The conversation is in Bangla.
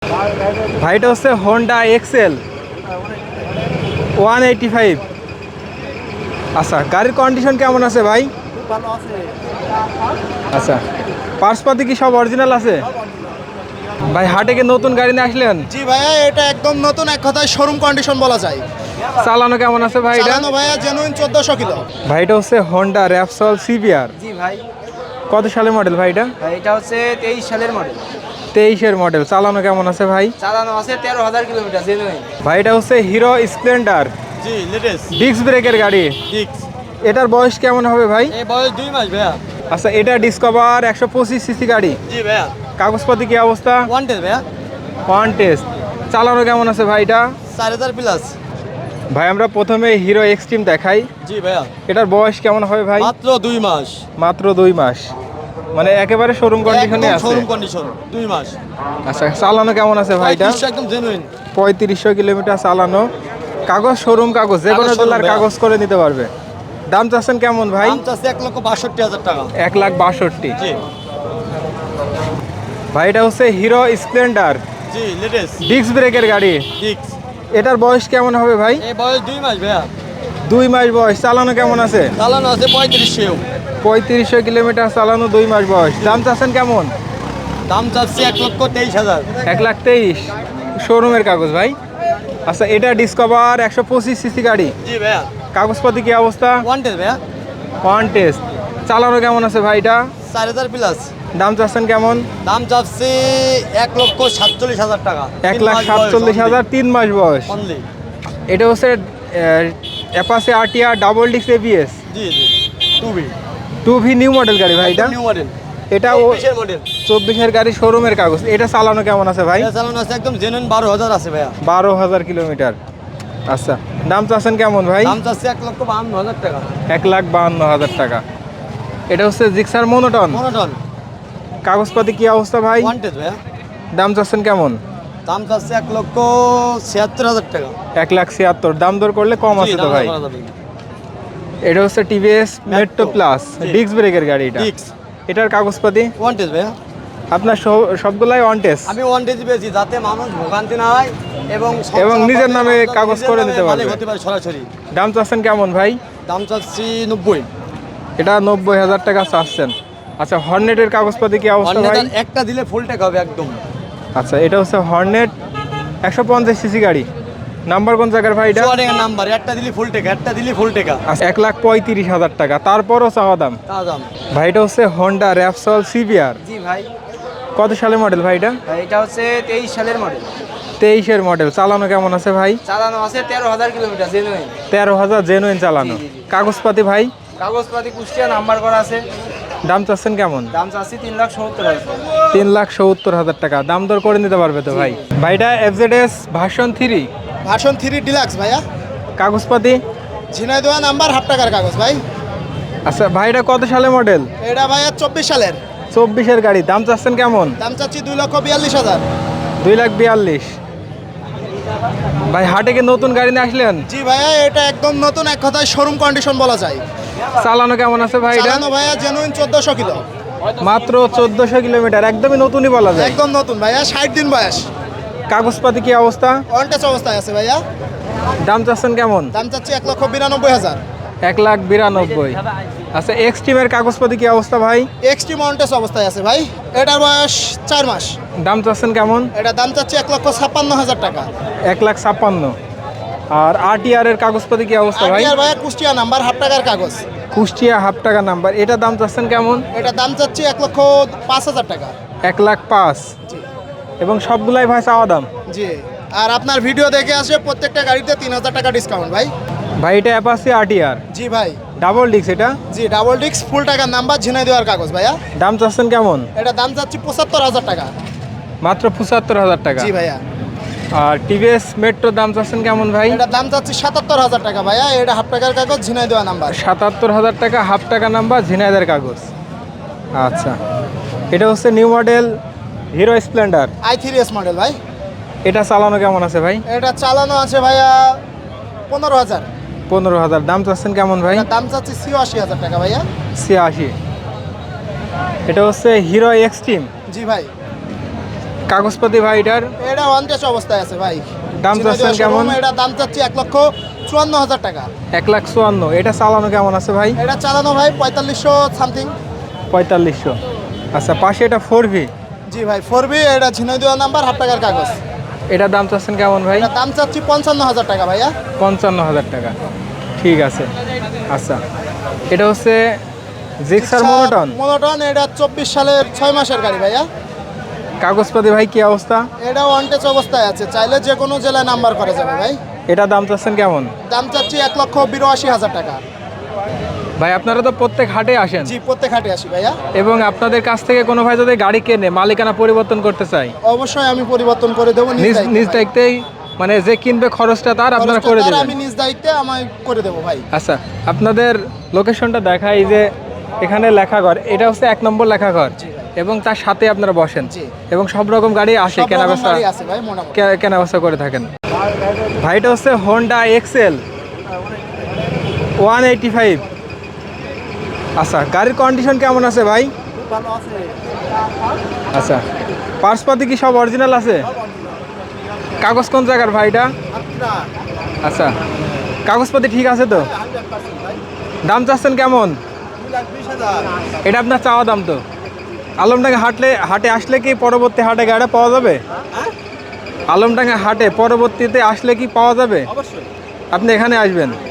ভাই এটা হচ্ছে হোন্ডা এক্সেল 185। আচ্ছা, গাড়ির কন্ডিশন কেমন আছে ভাই? ভালো আছে। আচ্ছা, পার্সপাতি কি সব অরিজিনাল আছে? ভাই হাটে কি নতুন গাড়ি নিয়ে আসলেন? জি ভাইয়া, এটা একদম নতুন, এক কথায় শোরুম কন্ডিশন বলা যায়। চালানো কেমন আছে ভাই এটা? চালানো ভাইয়া জেনুইন 1400 কিলো। ভাই এটা হচ্ছে হোন্ডা র্যাপসল সিবিআর। জি ভাই, কত সালের মডেল ভাই এটা? এটা হচ্ছে 23 সালের মডেল। 23-এর মডেল। চালানো কেমন আছে ভাই? চালানো আছে 13,000 কিলোমিটার জেনুইন। ভাই এটা হচ্ছে হিরো স্প্লেন্ডার জি লেটেস্ট ডিস্ক ব্রেকের গাড়ি। ডিক্স। এটার বয়স কেমন হবে ভাই? এই বয়স 2 মাস ভাইয়া। আচ্ছা, এটা ডিসকভার 125 সিসি গাড়ি। জি ভাইয়া। কাগজপাতি কি অবস্থা? ওয়ান্টেড ভাইয়া। One test. চালানো কেমন আছে ভাই এটা? 4000 প্লাস। ভাই আমরা প্রথমে হিরো এক্সট্রিম দেখাই। জি ভাইয়া। এটার বয়স কেমন হবে ভাই? মাত্র 2 মাস। মাত্র 2 মাস, মানে একেবারে শোরুম কন্ডিশনে আছে। শোরুম কন্ডিশন 2 মাস। আচ্ছা, চালানো কেমন আছে ভাই এটা? একদম জেনুইন। 3500 কিলোমিটার চালানো। কাগজ শোরুম কাগজ, যে কোনো কাগজ showroom জেলার ভাইয়া। কাগজ করে নিতে পারবে। দাম চাচ্ছেন কেমন ভাই? দাম চাচ্ছে 1,62,000 টাকা। 1,62,000। জি ভাই এটা হচ্ছে হিরো স্প্লেন্ডার জি লেটেস্ট ডিস্ক ব্রেকের গাড়ি। ডিক্স। এটার বয়স কেমন হবে ভাই? এই বয়স 2 মাস ভাইয়া। 2 মাস বয়স। চালানো কেমন আছে? চালানো আছে 3500। 3500 কিলোমিটার চালানো, 2 মাস বয়স। দাম চাচ্ছেন কেমন? দাম চাচ্ছে 1,23,000। 1,23,000 শোরুমের কাগজ ভাই। আচ্ছা, এটা ডিসকভার 125 সিসি গাড়ি। জি ভাইয়া। কাগজপাতি কি অবস্থা? ওয়ান্টেড ভাইয়া। One test. চালানো কেমন আছে ভাই এটা? 4000 প্লাস। দাম চাচ্ছেন কেমন? দাম চাচ্ছে 1,47,000 টাকা। 1,47,000, 3 মাস বয়স। অনলি। এটা হচ্ছে Apache RTR double disc ABS জি জি 2B 2V নিউ মডেল গাড়ি ভাই এটা। New model. এটা 24 মডেল। 24-এর গাড়ি, শোরুমের কাগজ। এটা চালানো কেমন আছে ভাই? এটা চালানো আছে একদম জেনুইন 12,000 আছে ভাইয়া। 12,000 কিলোমিটার। আচ্ছা, দাম চাচ্ছেন কেমন ভাই? দাম চাচ্ছে 1,52,000 টাকা। 1,52,000 টাকা। এটা হচ্ছে জিক্সার মোনোটন। মনোটন। কাগজপাতি কি অবস্থা ভাই? ওয়ান্টেড ভাইয়া। দাম চাচ্ছেন কেমন? দাম চাচ্ছে 1,76,000 টাকা। 1,76,000। দাম দর করলে কম আছে তো ভাই। এটা হচ্ছে টিভিএস মেট্রো প্লাস জি। ডিস্ক ব্রেকের গাড়ি এটা। ডিক্স। এটার কাগজপাতি ওয়ান্টেড ভাইয়া। আপনার সবগুলাই অন টেস্ট আমি ওয়ান্টেজ পেয়েছি যাতে মানুষ ভোগান্তি না হয় এবং এবং নিজের নামে কাগজ করে নিতে পারবে। হতে পারে সরাসরি। দাম চাচ্ছেন কেমন ভাই? দাম চাচ্ছি 90। এটা 90,000 টাকা চাচ্ছেন। আচ্ছা, হর্নেটের কাগজপাতি কি অবস্থা ভাই? একটা দিলে ফুল টাকা হবে একদম। আচ্ছা, এটা হচ্ছে হর্নেট 150 সিসি গাড়ি। নাম্বার কোন জায়গার ভাই এটা? টাকা নাম্বার, একটা দিলে ফুল টাকা, একটা দিলে ফুল টাকা। আচ্ছা, 1,35,000 টাকা। তারপরও চাওয়া দাম। তা দাম। ভাই এটা হচ্ছে হোন্ডা র্যাপসল সিবিআর। জি ভাই, কত সালের মডেল ভাই এটা? এটা হচ্ছে 23 সালের মডেল। 23-এর মডেল। চালানো কেমন আছে ভাই? চালানো আছে 13,000 কিলোমিটার জেনুইন। 13,000 জেনুইন চালানো। জি, জি, জি। কাগজপাতি ভাই? কাগজপাতি কুষ্টিয়া নাম্বার করা আছে। দাম চাচ্ছেন কেমন? দাম চাচ্ছি 3,70,000। 3,70,000 টাকা। দাম দর করে নিতে পারবে তো ভাই? ভাইটা এফজেডএস ভার্সন 3। ভার্সন 3 ডিলাক্স ভাইয়া। কাগজপাতি? ঝিনাইদহ নাম্বার, হাফ টাকার কাগজ ভাই। আচ্ছা, ভাইটা কত সালে মডেল? এটা ভাইয়া 24 সালের। 24-এর গাড়ি। দাম চাচ্ছেন কেমন? দাম চাচ্ছি 2,42,000। 2,42,000। ভাই হাটে কি নতুন গাড়ি নিয়ে আসলেন? জি ভাইয়া, এটা একদম নতুন, এক কথায় শোরুম কন্ডিশন বলা যায়। চালানো কেমন আছে ভাই এটা? চালানো ভাইয়া জেনুইন 1400 কিলো। মাত্র 1400 কিলোমিটার, একদমই নতুনই বলা যায়। একদম নতুন ভাইয়া, 60 দিন বয়স। কাগজপাতি কি অবস্থা? অনটেস অবস্থায় আছে ভাইয়া। দাম চাচ্ছেন কেমন? দাম চাচ্ছি 1,92,000। 1,92,000। আচ্ছা, এক্সট্রিমের কাগজপাতি কি অবস্থা ভাই? এক্সট্রিম অনটেস অবস্থায় আছে ভাই। এটার বয়স 4 মাস। দাম চাচ্ছেন কেমন? এটা দাম চাচ্ছি 1,56,000 টাকা। 1,56,000। আর আরটিআর এর কাগজপাতি কি অবস্থা ভাই? আর ভাইয়া কুষ্টিয়া নাম্বার, হাফ টাকার কাগজ। কুষ্টিয়া হাফ টাকা নাম্বার। এটা দাম চাচ্ছেন কেমন? এটা দাম চাচ্ছি 1,05,000 টাকা। 1,05,000। জি এবং সবগুলাই ভাই চাওয়া দাম। জি। আর আপনার ভিডিও দেখে আসে প্রত্যেকটা গাড়িতে 3,000 টাকা ডিসকাউন্ট ভাই। ভাই এটা অ্যাপাচি আরটিআর জি ভাই। ডাবল ডিস্ক এটা। জি ডাবল ডিস্ক, ফুল টাকার নাম্বার, ঝিনাইদহের কাগজ ভাইয়া। দাম চাচ্ছেন কেমন? এটা দাম চাচ্ছি 75,000 টাকা। মাত্র 75,000 টাকা। জি ভাইয়া। আর টিভিএস মেট্রো দাম চাচ্ছেন কেমন ভাই? এটা দাম চাচ্ছি 77,000 টাকা ভাইয়া। এটা হাফ টাকার কাগজ, ঝিনাইদহ নাম্বার। 77,000 টাকা, হাফ টাকা নাম্বার, ঝিনাইদের কাগজ। আচ্ছা, এটা হচ্ছে new model Hero Splendor i3s model ভাই। এটা চালানো কেমন আছে ভাই? এটা চালানো আছে ভাইয়া 15,000। 15,000। দাম চাচ্ছেন কেমন ভাই? এটা দাম চাচ্ছি 86,000 টাকা ভাইয়া। 86। এটা হচ্ছে হিরো এক্সট্রিম। জি ভাই। কাগজপাতি ভাই এটার এটা ওয়ান টেস্ট অবস্থায় আছে ভাই। দাম চাচ্ছেন কেমন? এটা দাম চাচ্ছি 1,54,000 টাকা। 1,54,000। এটা চালানো কেমন আছে ভাই? এটা চালানো ভাই 4500 সামথিং। 4500। আচ্ছা, পাশে এটা 4V। জি ভাই 4B, এটা ঝিনাইদহ নাম্বার, হাফ টাকার কাগজ। এটার দাম চাচ্ছেন কেমন ভাই? এটা দাম চাচ্ছি 55,000 টাকা ভাইয়া। 55,000 টাকা, ঠিক আছে। আচ্ছা, এটা হচ্ছে জিক্সার মোনোটন। মোনোটন, এটা 24 সালের 6 মাসের গাড়ি ভাইয়া। কাগজপাতি ভাই কি অবস্থা? এটা ওয়ান টেস্ট অবস্থায় আছে, চাইলে যে কোনো জেলায় নাম্বার করা যাবে ভাই। এটা দাম চাচ্ছেন কেমন? দাম চাচ্ছি 1,82,000 টাকা। ভাই আপনারা তো প্রত্যেক হাটে আসেন। জি, প্রত্যেক হাটে আসি ভাইয়া। এবং আপনাদের কাছ থেকে কোনো ভাই যদি গাড়ি কেনে মালিকানা পরিবর্তন করতে চাই, অবশ্যই আমি পরিবর্তন করে দেবো নিজ দায়িত্বেই, মানে যে কিনবে খরচটা তার আপনারা করে দেবেন। আমি নিজ দায়িত্বে আমায় করে দেবো ভাই। আচ্ছা, আপনাদের লোকেশনটা দেখাই যে এখানে লেখাঘর, এটা হচ্ছে 1 নম্বর লেখাঘর, এবং তার সাথে আপনারা বসেন জি। এবং সব রকম গাড়ি আসে, সব রকম কেনাবেচা গাড়ি আছে ভাই মোটামুটি। কেনাবেচা করে থাকেন। ভাই এটা হচ্ছে হোন্ডা এক্সেল 185। আচ্ছা, গাড়ির কন্ডিশন কেমন আছে ভাই? আচ্ছা, পার্সপাতি কি সব অরিজিনাল আছে? কাগজ কোন জায়গার ভাই এটা? আচ্ছা, কাগজপাতি ঠিক আছে তো? দাম চাচ্ছেন কেমন? এটা আপনার চাওয়া দাম তো? আলমডাঙ্গা হাটে আসলে কি পরবর্তী হাটে গাড়িটা পাওয়া যাবে? আলমডাঙ্গা হাটে পরবর্তীতে আসলে কি পাওয়া যাবে? আপনি এখানে আসবেন।